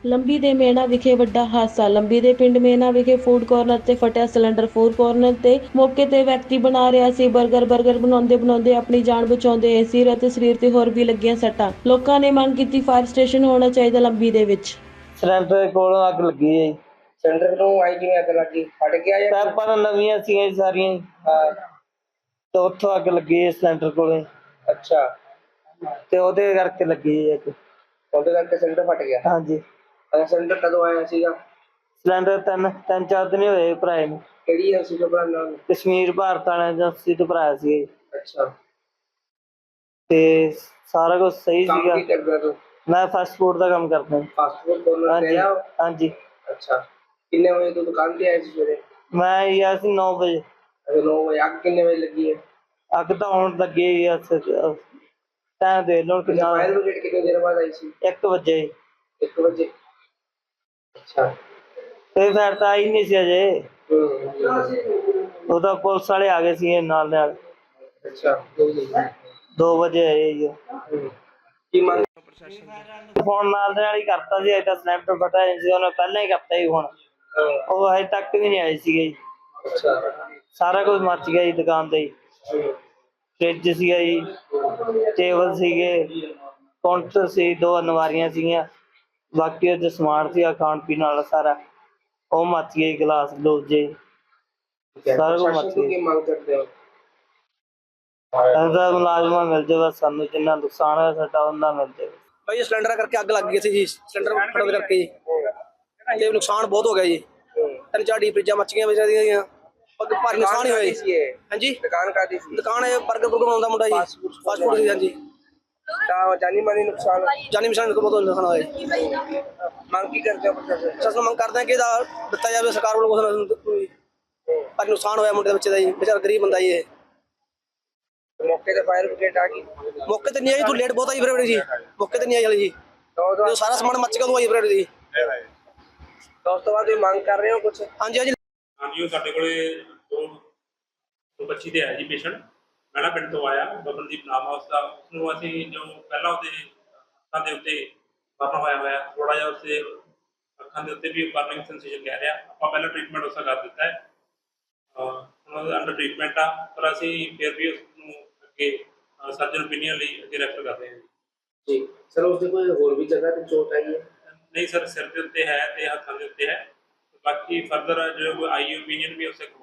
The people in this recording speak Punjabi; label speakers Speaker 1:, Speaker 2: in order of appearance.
Speaker 1: ਲੰਬੀ ਦੇ ਮੇਣਾ ਵਿਖੇ ਵੱਡਾ ਹਾਦਸਾ। ਲੰਬੀ ਦੇ ਪਿੰਡ ਮੇਣਾ ਵਿਖੇ ਫੂਡ ਕਾਰਨਰ ਤੇ ਫਟਿਆ ਸਿਲੰਡਰ। ਫੂਡ ਕਾਰਨਰ ਤੇ ਮੌਕੇ ਤੇ ਵਿਅਕਤੀ ਬਣਾ ਰਿਹਾ ਸੀ ਬਰਗਰ ਬਣਾਉਂਦੇ ਆਪਣੀ ਜਾਨ ਬਚਾਉਂਦੇ ਸਿਰ ਅਤੇ ਸਰੀਰ ਤੇ ਹੋਰ ਵੀ ਲੱਗੀਆਂ ਸੱਟਾਂ। ਲੋਕਾਂ ਨੇ ਮੰਗ ਕੀਤੀ ਫਾਇਰ ਸਟੇਸ਼ਨ ਹੋਣਾ ਚਾਹੀਦਾ ਲੰਬੀ ਦੇ ਵਿੱਚ।
Speaker 2: ਸਿਲੰਡਰ ਕੋਲੋਂ ਅੱਗ ਲੱਗੀ ਹੈ ਜੀ।
Speaker 3: ਸਿਲੰਡਰ ਨੂੰ ਆਈ ਕਿਵੇਂ ਅੱਗ ਲੱਗੀ? ਫਟ ਗਿਆ ਜਾਂ
Speaker 2: ਪੈਪਾਂ ਨਵੀਆਂ ਸੀਗੀਆਂ ਜੀ ਸਾਰੀਆਂ ਜੀ,
Speaker 3: ਹਾਂ?
Speaker 2: ਤੇ ਉੱਥੋਂ ਅੱਗ ਲੱਗੀ ਹੈ ਸਿਲੰਡਰ ਕੋਲੇ,
Speaker 3: ਅੱਛਾ,
Speaker 2: ਤੇ ਉਹਦੇ ਕਰਕੇ ਲੱਗੀ ਹੈ ਅੱਗ।
Speaker 3: ਉਹਦੇ ਕਰਕੇ ਸਿਲੰਡਰ ਫਟ ਗਿਆ।
Speaker 2: ਹਾਂਜੀ।
Speaker 3: ਸਿਲੰਡਰ ਕਦੋਂ ਆਇਆ ਸੀਗਾ?
Speaker 2: ਸਿਲੰਡਰ ਤਿੰਨ ਚਾਰ ਦਿਨ ਹੀ ਹੋਏ ਭਰਾਏ ਨੂੰ।
Speaker 3: ਕਿਹੜੀ ਏਜੰਸੀ ਤੋਂ ਬਣਾਉਣਾ?
Speaker 2: ਕਸ਼ਮੀਰ ਭਾਰਤ ਵਾਲੇ ਏਜੰਸੀ ਤੋਂ ਭਰਾਇਆ ਸੀ ਜੀ।
Speaker 3: ਅੱਛਾ,
Speaker 2: ਤੇ ਸਾਰਾ ਕੁਝ ਸਹੀ
Speaker 3: ਕੰਮ
Speaker 2: ਸੀਗਾ।
Speaker 3: ਕੀ ਕਰਦਾ ਤੂੰ?
Speaker 2: ਮੈਂ ਫਾਸਟ ਫੂਡ ਦਾ ਕੰਮ ਕਰਦਾ।
Speaker 3: ਫਾਸਟ ਫੂਡ ਕੋਰਨਰ ਤੇ
Speaker 2: ਹਾਂਜੀ
Speaker 3: ਆਇਆ?
Speaker 2: ਹਾਂਜੀ।
Speaker 3: ਅੱਛਾ, ਕਿੰਨੇ ਵਜੇ ਤੂੰ ਦੁਕਾਨ ਤੇ ਆਇਆ ਸੀ ਸਵੇਰੇ?
Speaker 2: ਮੈਂ ਆਇਆ ਸੀ 9 ਵਜੇ।
Speaker 3: ਅਜੇ 9 ਵਜੇ। ਅੱਗ ਕਿੰਨੇ ਵਜੇ ਲੱਗੀ ਹੈ?
Speaker 2: ਅੱਗ ਤਾਂ ਹੁਣ ਲੱਗੀ ਹੈ ਟਾਈਮ ਦੇ ਲਓ ਕਿੰਨਾ।
Speaker 3: ਫਾਇਰ ਬ੍ਰਿਗੇਡ ਕਿੰਨੇ ਦੇਰ ਬਾਅਦ ਆਈ ਸੀ?
Speaker 2: 1 ਵਜੇ।
Speaker 3: 1 ਵਜੇ। ਅੱਛਾ।
Speaker 2: ਤੇ ਫਿਰ ਤਾਂ ਆਈ ਨਹੀਂ ਸੀ ਅਜੇ।
Speaker 3: ਹੂੰ।
Speaker 2: ਉਹਦਾ ਪੁਲਿਸ ਵਾਲੇ ਆ ਗਏ ਸੀ ਨਾਲ।
Speaker 3: ਅੱਛਾ।
Speaker 2: 2 ਵਜੇ ਆਏ ਜੀ।
Speaker 3: ਕੀ ਮੰਗ?
Speaker 2: ਫੋਨ ਨਾਲ ਦੇ ਨਾਲ ਹੀ ਕਰਤਾ ਸੀ। ਅਜੇ ਤਾਂ ਸਿਲੰਡਰ ਫਟਿਆ ਸੀ, ਉਹਨੇ ਪਹਿਲਾਂ ਹੀ ਕਰਤਾ ਸੀ ਫੋਨ। ਉਹ ਹਜੇ ਤੱਕ ਵੀ ਨਹੀਂ ਆਏ ਸੀਗੇ ਜੀ।
Speaker 3: ਅੱਛਾ।
Speaker 2: ਸਾਰਾ ਕੁਝ ਮੱਚ ਗਿਆ ਜੀ ਦੁਕਾਨ ਤੇ ਜੀ। ਫਰਿੱਜ ਸੀਗਾ ਜੀ, ਟੇਬਲ ਸੀਗੇ, ਕਾਊਂਟਰ ਸੀ, 2 ਅਲਮਾਰੀਆਂ ਸੀਗੀਆਂ, ਬਾਕੀ ਉਹਦੇ ਸਮਾਨ ਸੀਗਾ ਖਾਣ ਪੀਣ ਵਾਲਾ ਸਾਰਾ, ਉਹ ਮੱਚ ਗਏ। ਗਲਾਸ ਗਲੂਸ ਜੇ ਸਾਰਾ ਕੁਝ ਮੱਚ
Speaker 3: ਕੀ
Speaker 2: ਗਿਆ।
Speaker 3: ਮੰਗ ਕਰਦੇ ਹੋ?
Speaker 2: ਇਹਦਾ ਮੁਲਾਜ਼ਮਾਂ ਮਿਲ ਜਾਵੇ ਸਾਨੂੰ, ਜਿੰਨਾ ਨੁਕਸਾਨ ਹੋਇਆ ਸਾਡਾ ਉਹਨਾਂ ਮਿਲ ਜਾਵੇ।
Speaker 4: ਭਾਈ ਸਿਲੰਡਰ ਕਰਕੇ ਅੱਗ ਲੱਗ ਗਈ ਸੀ ਜੀ। ਸਿਲੰਡਰ ਫਟਣ ਕਰਕੇ ਜੀ ਤੇ ਨੁਕਸਾਨ ਬਹੁਤ ਹੋ ਗਿਆ ਜੀ। 3-4 ਡੀਪ ਫਰਿੱਜਾਂ ਮੱਚ ਗਈਆਂ ਵਿਚਾਰੀਆਂ ਦੀਆਂ। ਭਾਰੀ ਨੁਕਸਾਨ ਹੀ ਹੋਇਆ ਜੀ। ਹਾਂਜੀ,
Speaker 3: ਦੁਕਾਨ ਕਾਹਦੀ ਸੀ?
Speaker 4: ਦੁਕਾਨ ਇਹ ਬਰਗਰ ਬਣਾਉਂਦਾ ਮੁੰਡਾ ਜੀ, ਫਾਸਟ ਫੂਡ ਦੀ। ਹਾਂਜੀ,
Speaker 3: ਤਾਂ ਜਾਨੀ ਮਾਨੀ ਨੁਕਸਾਨ?
Speaker 4: ਜਾਨੀ ਨੁਕਸਾਨ ਬਹੁਤ ਨੁਕਸਾਨ ਹੋਇਆ ਜੀ।
Speaker 3: ਮੰਗ ਕੀ ਕਰਦੇ ਹੋ ਪ੍ਰਸ਼ਾਸਨ?
Speaker 4: ਸਾਨੂੰ ਮੰਗ ਕਰਦੇ ਹਾਂ ਕਿ ਇਹਦਾ ਦਿੱਤਾ ਜਾਵੇ ਸਰਕਾਰ ਵੱਲੋਂ ਕੁਛ। ਭਾਰੀ ਨੁਕਸਾਨ ਹੋਇਆ ਮੁੰਡੇ ਦੇ ਬੱਚੇ ਦਾ ਜੀ, ਵਿਚਾਰਾ ਗਰੀਬ ਬੰਦਾ ਜੀ ਇਹ।
Speaker 3: ਮੌਕੇ ਤੇ ਫਾਇਰ ਬ੍ਰਿਗੇਡ ਆ ਗਈ?
Speaker 4: ਮੌਕੇ ਤੇ ਨਹੀਂ ਆਈ, ਤੂੰ ਲੇਟ ਬਹੁਤ ਆਈ ਫਰਵਰੀ ਜੀ। ਮੌਕੇ ਤੇ ਨਹੀਂ ਆਈ ਹਲੇ ਜੀ, ਜਦੋਂ ਸਾਰਾ ਸਮਾਨ ਮੱਚ ਗਿਆ ਉਦੋਂ ਆਈ ਫਰਵਰੀ ਜੀ।
Speaker 3: ਤਾਂ ਉਸ ਤੋਂ ਬਾਅਦ ਤੁਸੀਂ ਮੰਗ ਕਰ ਰਹੇ ਹੋ ਕੁਛ?
Speaker 4: ਹਾਂਜੀ ਹਾਂਜੀ।
Speaker 5: ਹਾਂਜੀ, ਉਹ ਸਾਡੇ ਕੋਲੇ ਦੋ ਬੱਚੀ ਦੇ ਆਇਆ ਜੀ ਪੇਸ਼ੈਂਟ। ਮੈਣਾ ਪਿੰਡ ਤੋਂ ਆਇਆ, ਬਬਨਦੀਪ ਨਾਮ ਆ ਉਸਦਾ। ਉਸਨੂੰ ਅਸੀਂ ਜੋ ਪਹਿਲਾਂ ਉਹਦੇ ਅੱਖਾਂ ਦੇ ਉੱਤੇ ਬਰਨ ਹੋਇਆ ਥੋੜ੍ਹਾ ਜਿਹਾ, ਉਸਦੇ ਅੱਖਾਂ ਦੇ ਉੱਤੇ ਵੀ ਬਰਨਿੰਗ ਸੈਂਸੇਸ਼ਨ ਕਹਿ ਰਿਹਾ। ਆਪਾਂ ਪਹਿਲਾਂ ਟ੍ਰੀਟਮੈਂਟ ਉਸਦਾ ਕਰ ਦਿੱਤਾ ਹੈ। ਹੁਣ ਉਹਦਾ ਅੰਡਰ ਟ੍ਰੀਟਮੈਂਟ ਆ, ਪਰ ਅਸੀਂ ਫਿਰ ਵੀ ਉਸਨੂੰ ਅੱਗੇ ਸਰਜਨ ਓਪੀਨੀਅਨ ਲਈ ਅੱਗੇ ਰੈਫਰ ਕਰ ਰਹੇ ਹਾਂ
Speaker 3: ਜੀ ਸਰ, ਉਸਦੇ ਕੋਈ ਹੋਰ ਵੀ ਜਗ੍ਹਾ ਤੇ ਚੋਟ ਆਈ ਹੈ?
Speaker 5: ਨਹੀਂ ਸਰ, ਸਿਰ ਦੇ ਉੱਤੇ ਹੈ ਤੇ ਹੱਥਾਂ ਦੇ ਉੱਤੇ ਹੈ। ਬਾਕੀ ਫਰਦਰ ਜੋ ਆਈ ਓਪੀਨੀਅਨ ਵੀ ਉਸੇ